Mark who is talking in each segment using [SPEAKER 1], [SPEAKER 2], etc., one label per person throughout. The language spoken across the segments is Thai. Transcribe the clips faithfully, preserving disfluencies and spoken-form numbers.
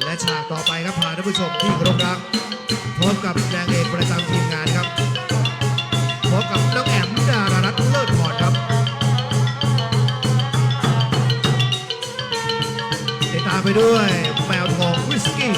[SPEAKER 1] และฉากต่อไปครับพาท่านผู้ชมที่เคารพรักพบกับนางเอกประจำทีมงานครับพบกับน้องแอมดารารัตน์เลิศพรครับติดตามไปด้วยแมวทองวิสกี้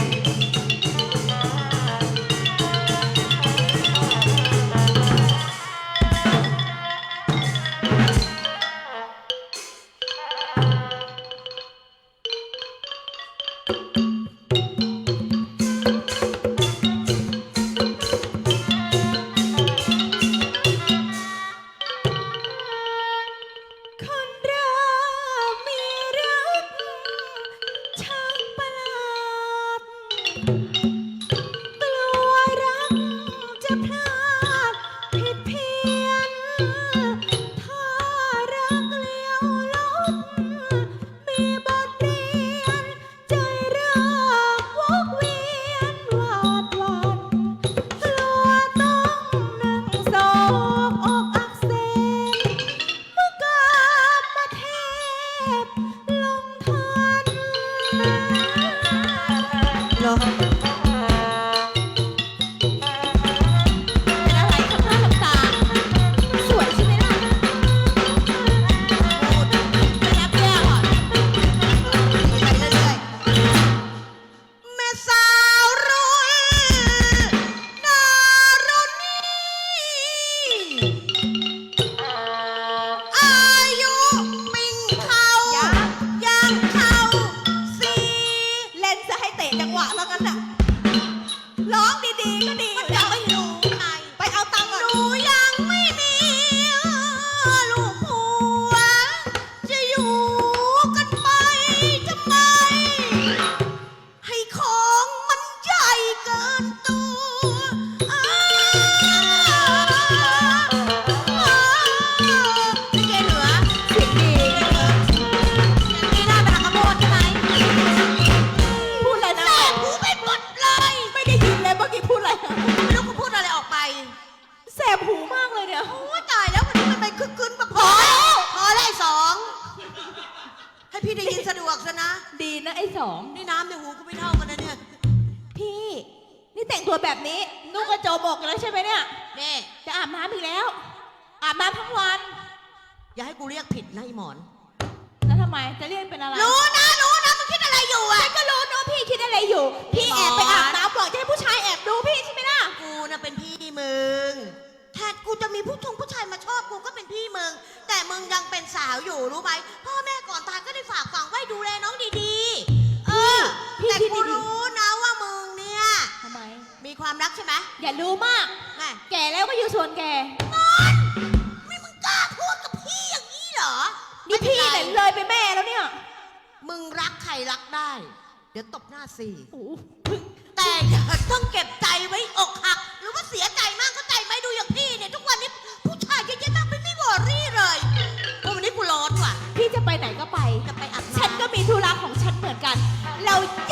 [SPEAKER 2] นี่น้ำในหูกูไม่เท่ากันนะเนี่ยพี่นี่แต่งตัวแบบนี้นุ่งกระโจมอกแล้วใช่ไหมเนี่ยแม่จะอาบน้ำอีกแล้วอาบน้ำทั้งวันอย่าให้กูเรียกผิดนะไอหมอนแล้วทำไมจะเรียกเป็นอะไรรู้นะรู้นะมึงคิดอะไรอยู่อ่ะฉันก็รู้นะพี่คิดอะไรอยู่พี่แอบไปอาบน้ำหรอกจะให้ผู้ชายแอบดูพี่ใช่ไหมล่ะกูน่ะเป็นพี่มึงแทนกูจะมีผู้ชงผู้ชายมาชอบกูก็เป็นพี่มึงแต่มึงยังเป็นสาวอยู่รู้ไหมพ่อแม่ก่อนตายก็ได้ฝากฝังไว้ดูแลน้องดีๆเออแต่กูรู้นะว่ามึงเนี่ยทำไมมีความรักใช่ไหมอย่ารู้มากแก่แล้วก็อยู่ส่วนแก่นอนไม่มึงกล้าพูดกับพี่อย่างนี้เหรอนี่พี่เนี่ยเลยไปแม่แล้วเนี่ยมึงรักใครรักได้เดี๋ยวตบหน้าสี่แต่อย่าต้องเก็บใจไว้อกหักหรือว่าเสียใจมากเข้าใจไหมดูอย่างพี่เนี่ยทุกวันนี้ผู้ชายเยอะแยะมากไม่ไม่วอรี่เลยวันนี้กูร้อนว่ะพี่จะไปไหนก็ไปจะไปอาบน้ำฉันก็มีธุระของฉันเหมือนกันเรา